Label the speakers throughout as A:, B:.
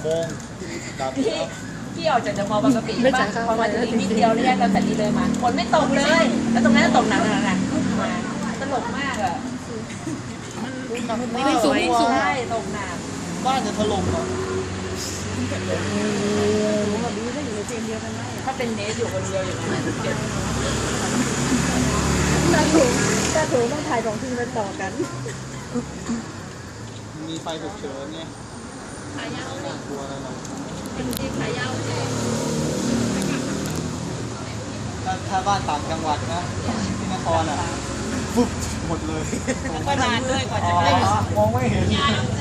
A: 6 โมงดับ
B: พี่ออกจากเดอะมอลล์บางกะปิบ้างพอมาถึงนิดเดียวแยกเราแต่นี้เลยมาฝนไม่ตกเลย แล้วตรงนั้นตกหนักมาตลกมากอ่ะ
A: ไม่ได้สูง
B: ใช่ตกหนัก
A: บ้านจะถล่มอ่ะ
B: ถ้าเป็นเนสอยู่คนเดียวอย่างนั้นเจ็บ
C: ถ้าถูต้องถ่าย2 ทีไปต่อกัน
A: มีไฟฉุกเฉินเนี่ยขายาวเลยกลัวอะไรหรอกถ้าบ้านต่างจังหวัดนะที่นครอ่ะปุ๊บหมดเลย
B: ก็นานด้วยกว่าจะ
A: อ๋อ
B: ได้
A: มองไม่เห็น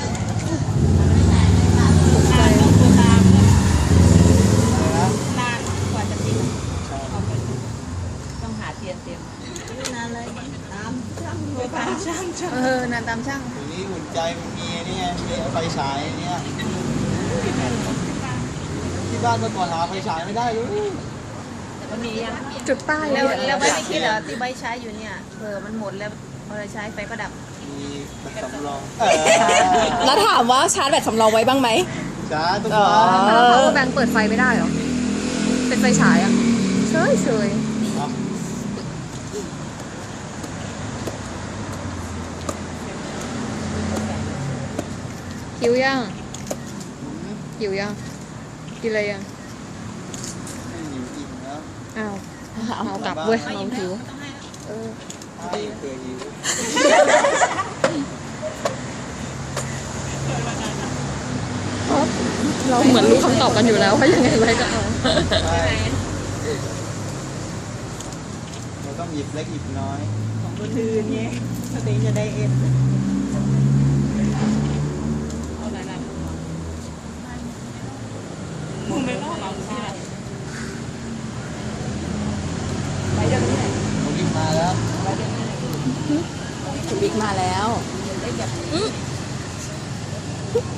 B: นาน
A: นะ
B: กว่าจะติด
A: ใช่
B: ต้องหาเทียนเต็ม
C: นานเลยตามช่าง
D: นานตามช่าง
A: ทีนี้อุ่นใจมันมีนี่ไงมีไฟฉายเนี่ยที่บ้านเมื่อก่อนหาไฟฉายไม่ได้เลย
B: มันมียัง
D: จุดป้าย
C: แล้วไม่ได้คิดเหรอที่ใบใช้อยู่เนี่ยมันหมดแล้วพอเราใช้ไฟก็ดับ
A: มีแบบสำรอง
D: แล้วถามว่าชาร์จแบตสำรองไว้บ้างไหม
A: จ้าทุก
D: อ๋
A: ค
D: อ
A: น
D: แล้ว power bank เปิดไฟไม่ได้เหรอ เป็นไฟฉายอ่ะเฉยหิวยังหิวยังกินอะไรยัง
A: ไม่หิวอิ่มแล้ว
D: อ้าวเอากลับเว้ยเราหิว
A: ให้เผื่อหิว
D: เราเหมือนรู้คำตอบกันอยู่แล้วว่ายังไงไว้ก็เอา
A: ใช่เราต้องหยิบเล็กหยิบน้อย
C: คืนเงี้ยสติจะได้เอ็น
A: ผมรีบมาแล้ว
D: บิ๊กมาแล้ว